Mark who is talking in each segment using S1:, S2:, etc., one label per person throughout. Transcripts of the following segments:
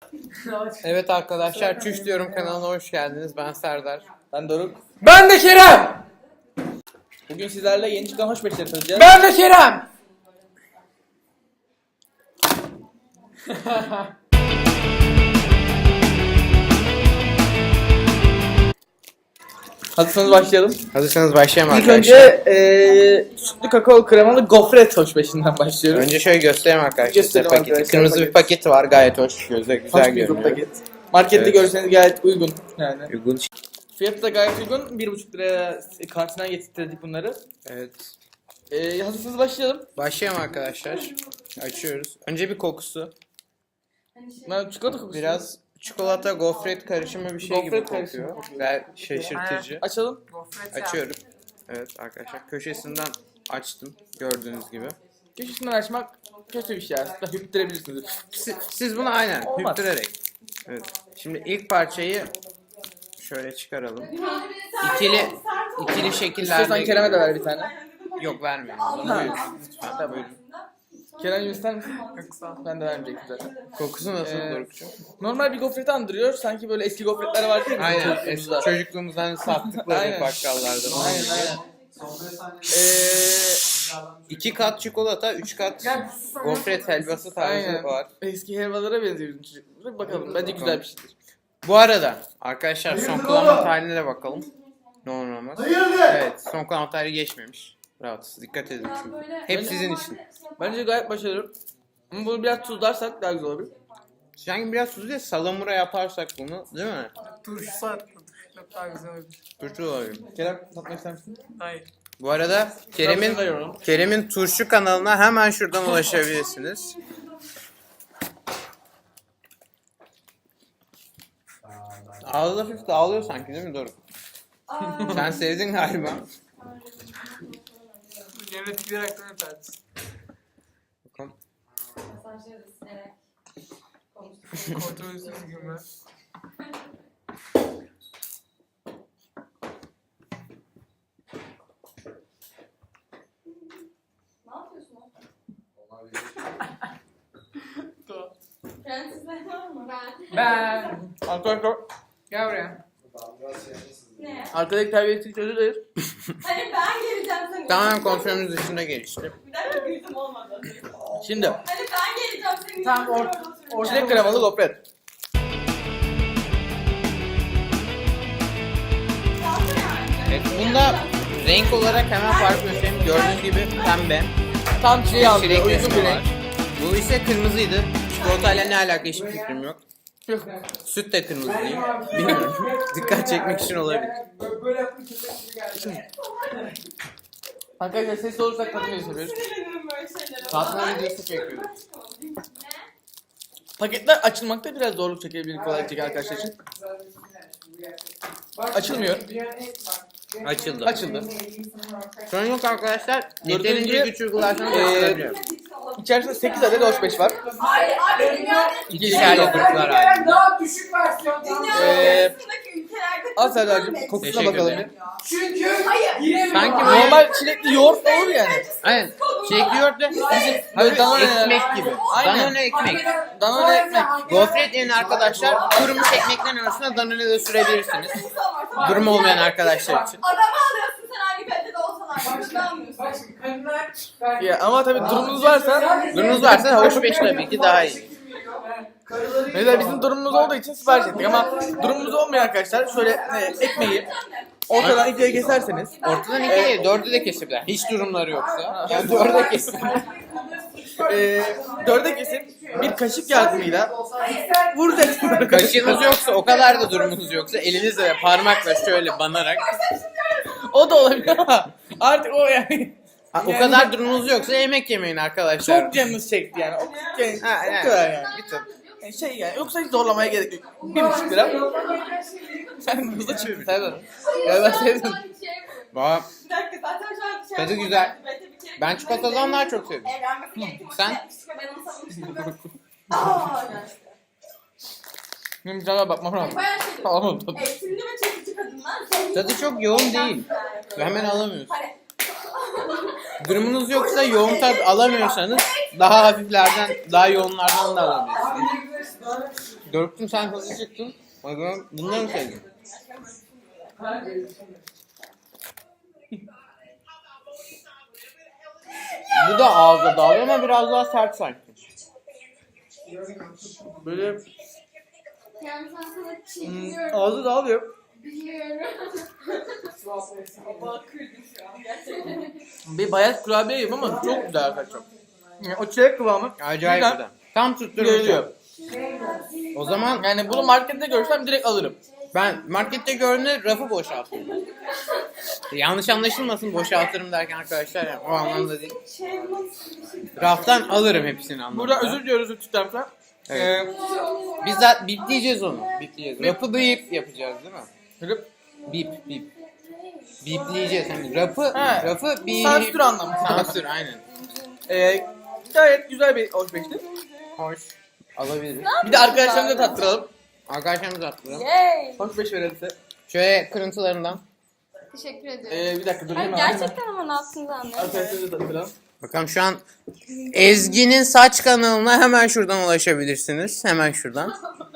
S1: Evet arkadaşlar, Çüş Diyorum kanalına hoş geldiniz. Ben Serdar.
S2: Ben Doruk.
S3: Ben de Kerem.
S2: Bugün sizlerle yeni çıkan hoş beşleri tanıyacağız.
S3: Ben de Kerem.
S2: Hazırsanız başlayalım.
S1: Hazırsanız başlayalım
S2: İlk
S1: arkadaşlar.
S2: önce sütlü kakao kremalı gofret hoş beşinden başlıyoruz.
S1: Önce şöyle göstereyim arkadaşlar.
S2: Gösterelim
S1: Paketi.
S2: arkadaşlar,
S1: Kırmızı
S2: paket.
S1: bir paketi var, gayet hoş. Göze
S2: Hoş
S1: güzel
S2: bir
S1: görünüyor.
S2: paket. Markette
S1: Evet.
S2: görürseniz gayet uygun yani.
S1: Uygun.
S2: Fiyatı da gayet uygun. 1,5 liraya kantinden getirdik bunları.
S1: Evet.
S2: Hazırsanız başlayalım.
S1: Başlayalım arkadaşlar. Açıyoruz. Önce bir kokusu.
S2: Ben çikolata kokusu.
S1: Biraz çikolata gofret karışımı bir şey gibi
S2: Gofret karışımı
S1: kokuyor.
S2: kokuyor.
S1: Gayet şaşırtıcı.
S2: Açalım.
S1: Açıyorum. Evet arkadaşlar, köşesinden açtım gördüğünüz gibi.
S2: Köşesinden açmak kötü bir şey aslında. Hüptürebilirsiniz.
S1: Siz bunu aynen
S2: Olmaz.
S1: hüptürerek. Evet. Şimdi ilk parçayı şöyle çıkaralım. İkili şekillerde.
S2: İstiyorsan Kerem'e de ver bir tane.
S1: Yok, vermiyorum.
S2: Ha.
S1: Buyurun. Lütfen buyurun.
S2: Kerem'cim ister misin? Ben de vermeyecektim zaten.
S1: Kokusu nasıl
S2: Ee,
S1: Doruk'cum?
S2: Normal bir gofreti andırıyor. Sanki böyle eski gofretler var değil mi?
S1: Aynen.
S2: Çocukluğumuzda.
S1: Çocukluğumuzdan sattıkları
S2: Aynen.
S1: bakkallarda.
S2: Aynen.
S1: 2 kat çikolata, 3 kat gofret helvası tarzı
S2: Aynen.
S1: var.
S2: Eski helvalara benziyor bizim çocukluğumuzda. Bakalım bence güzel bir şeydir.
S1: Bu arada arkadaşlar son kullanma tarihine de bakalım. Ne olur ne olmaz. Evet, son kullanma tarihi geçmemiş. Rahatsız, dikkat edin çünkü. Hep sizin için.
S2: Bence gayet başarılı. Ama bunu biraz tuzlarsak daha güzel olur.
S1: Sanki biraz tuzlu değil, salamura yaparsak bunu, değil mi?
S3: Turşu sardı. Çok daha güzel oldu.
S1: Turşu olabilir.
S2: Kerem tatmak ister misin?
S3: Hayır.
S1: Bu arada
S2: Ben
S1: Kerem'in turşu kanalına hemen şuradan ulaşabilirsiniz. Ağzı hafif dağılıyor sanki, değil mi Doruk? Sen sevdin galiba.
S3: Yemekler hakkında tartışsın.
S1: Bakalım.
S3: Kontrolsüz gülme.
S4: Ne yapıyorsun oğlum? Prensesler var mı?
S3: Ben.
S2: Arkadaşlar
S3: Gel buraya.
S4: Ne?
S2: arkadaki terbiyesizlik özür dileriz.
S4: Hani ben geleceğim seni.
S1: Tamamen kontrolümüz dışında gelişti.
S4: Bir dakika gülüm olmadı.
S2: Şimdi
S4: Hani ben geleceğim seni.
S3: Tamam,
S2: çilek kremalı gofret.
S1: Evet, bunda renk olarak hemen fark göstereyim. Gördüğünüz gibi pembe.
S2: Tam çileği aldı.
S1: Çilek
S2: Uygun
S1: resmi
S2: bir
S1: var.
S2: renk.
S1: Bu ise kırmızıydı. Çikolatayla ne alaka hiçbir fikrim yok.
S2: Yok.
S1: Süt de kırmızı değil. Bilmiyorum. Dikkat çekmek için olabilir.
S3: Böyle yaptım, köpek gibi geldi.
S2: Arkadaşlar sesli olursak tatmin yapıyoruz.
S4: Sinirlenirim böyle şeylere.
S1: Tatmin videosu çekiyoruz.
S2: Paketler açılmakta biraz zorluk çekebilir kolaylık çeker arkadaşlar için. Açılmıyor.
S1: Açıldı.
S2: Açıldı.
S1: Sorun yok arkadaşlar.
S2: Gördüğünüz
S1: Yeterince
S2: gibi,
S1: güç uygularsanız
S2: eee,
S1: açılabiliyor.
S2: İçerisinde 8 adet hoş beş var.
S4: Abi dünyanın
S1: İkişerli gruplar halinde.
S3: Daha düşük versiyon.
S4: arasındaki ülkelerde
S2: Al Serdar'cığım kokusuna
S1: Teşekkür
S2: bakalım
S1: ederim.
S2: bir.
S3: Çünkü hayır.
S1: Sanki böyle
S2: Normal çilekli yoğurt olur yani.
S1: aynen. Çilekli yoğurt da bizim
S2: Böyle Danone
S1: ekmek gibi.
S2: Aynen.
S1: Danone ekmek.
S2: Danone ekmek.
S1: Gofret yerine arkadaşlar kurumuş ekmeklerin arasına danone de sürebilirsiniz. Durum olmayan arkadaşlar için.
S4: Adamı alıyorsun sen hangi kalitede olsan artık. Ne almıyorsun?
S3: Bak şimdi kadınlar.
S2: Ya ama tabii durumunuz varsa,
S1: Durumunuz varsa hoş beş tabii ki daha iyi.
S2: mesela bizim durumumuz olduğu için sipariş ettik ama durumumuz olmayan arkadaşlar şöyle ekmeği ortadan ikiye keserseniz
S1: Ortadan iki değil, dördü de kesebilirler. Hiç durumları yoksa. Yani dörde kesebilirler.
S2: dörde kesip bir kaşık yardımıyla vuracaksınız.
S1: Kaşığınız yoksa, o kadar da durumunuz yoksa elinizle ve parmakla şöyle banarak.
S2: O da olabilir ama artık o yani.
S1: O kadar durumunuz yoksa yemek yemeyin arkadaşlar.
S2: Çok canınız çekti yani. O
S1: Ha,
S2: kadar yani. Şey yani yoksa hiç zorlamaya gerek yok. 1,5 lira. Sen hızlı çıktın Serdar. Ya ben sevdim.
S1: Valla
S4: Bir dakika zaten şu an şey
S1: tadı
S4: yapmadım.
S1: güzel.
S4: Bir kere
S1: Ben çikolatadan daha çok seviyorum.
S4: Evlenmek gerektiğini
S1: Sen?
S4: yapmıştık ve ben onu savunmuştum. Aaa gerçekten.
S2: Benim sana bakmam lazım.
S4: Bayağı şey.
S2: Tamam tabii.
S4: Eğitimli ve çekici kadınlar.
S1: Tadı çok yoğun değil. Hemen alamıyorsun.
S4: Hani
S1: Durumunuz yoksa yoğun tat alamıyorsanız daha hafiflerden, daha yoğunlardan da alabilirsiniz. Doruk'cum sen hızlı çıktın. O zaman bunları mı sevdin? Bu da ağızda dağılıyor ama biraz daha sert sanki.
S2: Böyle
S4: Yani sen sana çekiyorum.
S2: ağzı dağılıyor.
S4: Biliyorum.
S3: Allah kırdım şu an gerçekten.
S2: Bir bayat kurabiye yiyeyim ama çok güzel arkadaşlar. Yani o çilek kıvamı
S1: Acayip
S2: güzel.
S1: güzel. Tam tutturmuş.
S2: geliyor.
S1: O zaman
S2: Yani bunu markette görsem direkt alırım.
S1: ben markette gördüğümde rafı boşaltırım. Yanlış anlaşılmasın boşaltırım derken arkadaşlar yani o anlamda değil. Raftan alırım hepsini anlamda.
S2: Burada özür diliyoruz lütfen.
S1: Evet. Biz zaten bipleyeceğiz onu. Bipleyeceğiz. Rapı bip yapacağız değil mi?
S2: Rıp.
S1: Bip. Bipleyeceğiz. Hani rafı bip.
S2: Sansür anlamı.
S1: Sansür aynen.
S2: Gayet güzel bir alışverişti.
S1: Hoş. Alabiliriz.
S2: Bir de arkadaşlarımıza tattıralım.
S1: Arkadaşlarımız attıralım.
S4: Yay.
S2: Hoş beş verelim size.
S1: Şöyle kırıntılarından.
S4: Teşekkür ediyorum.
S2: Bir dakika dur
S4: Hayır,
S2: hemen.
S4: gerçekten ama ne yaptığınızı anlıyorum.
S2: Arkadaşlarımıza tattıralım.
S1: Bakalım şu an Ezgi'nin saç kanalına hemen şuradan ulaşabilirsiniz. Hemen şuradan.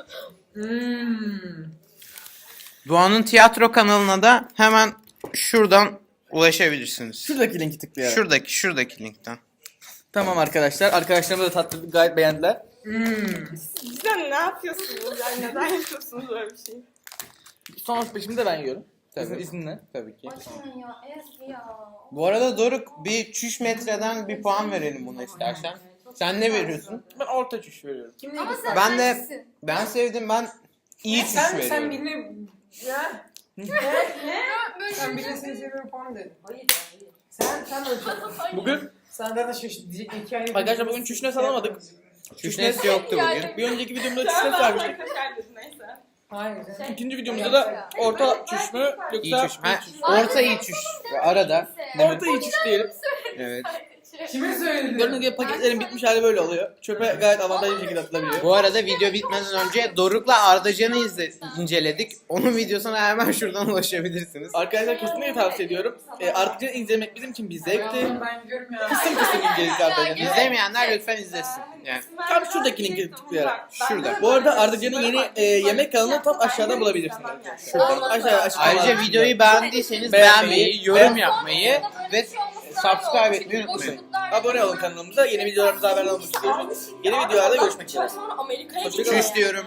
S1: Doğan'ın tiyatro kanalına da hemen şuradan ulaşabilirsiniz.
S2: Şuradaki linki tıklayarak.
S1: Şuradaki linkten.
S2: Tamam arkadaşlar. Arkadaşlarımıza da tattırdık. Gayet beğendiler.
S4: Sen ne yapıyorsunuz? Yani neden yapıyorsunuz böyle bir şey?
S2: Son hoş de ben yiyorum.
S1: Tabii.
S2: İzninle.
S1: Tabii ki.
S4: Açın ya Ezgi ya.
S1: Bu arada Doruk bir çüş metreden bir puan verelim buna istersen. Sen ne veriyorsun?
S2: Ben orta çüş veriyorum.
S3: Kim
S4: Ama
S3: dedi?
S4: sen
S1: Ben de
S4: sensin.
S1: ben sevdim ben iyi çüş
S3: Sen
S1: veriyorum.
S3: birine... Ya.
S4: Böyle
S3: Sen
S4: bir
S3: birine seni seviyorum falan dedin. Hayır. Sen öyle şey.
S2: Bugün
S3: Sen zaten şaşırtıcı diyecek hikaye.
S2: Arkadaşlar bugün çüşne salamadık.
S1: Çüşnesi yoktu bugün.
S2: Bir önceki videomda çüşne vermiştik.
S4: Neyse.
S3: Hayır.
S2: İkinci videomuzda da orta çüş mü
S1: İyi
S2: yoksa
S1: çüş. Ha, orta iyi çüş. Arada.
S2: orta iyi çüş diyelim.
S1: Evet.
S3: Kime söyledin?
S2: Gördüğünüz gibi paketlerin bitmiş hali böyle oluyor. Çöpe gayet avantajlı bir şekilde atılabiliyor.
S1: Bu arada video bitmeden önce Doruk'la Ardacan'ı inceledik. Onun videosuna hemen şuradan ulaşabilirsiniz.
S2: Arkadaşlar kesinlikle tavsiye ediyorum. Artık izlemek bizim için bir zevkti.
S3: Ben gidiyorum ya.
S2: Kısım kısım inceledik Ardacan'ı.
S1: İzlemeyenler lütfen izlesin. Yani
S2: Tam şuradaki linki tıklayarak.
S1: şurada.
S2: Bu arada Ardacan'ın yeni yemek kanalını tam aşağıdan bulabilirsiniz arkadaşlar.
S1: Şurada.
S2: Aşağıya
S1: Ayrıca videoyu beğendiyseniz beğenmeyi, yorum yapmayı ve subscribe etmeyi unutmayın.
S2: Abone olun kanalımıza. Yeni videolarımıza haber almak istiyorsanız. Yeni videolarda görüşmek üzere.
S4: Sonra Amerika'ya
S2: Hoşçakalın.
S1: Çüş diyorum.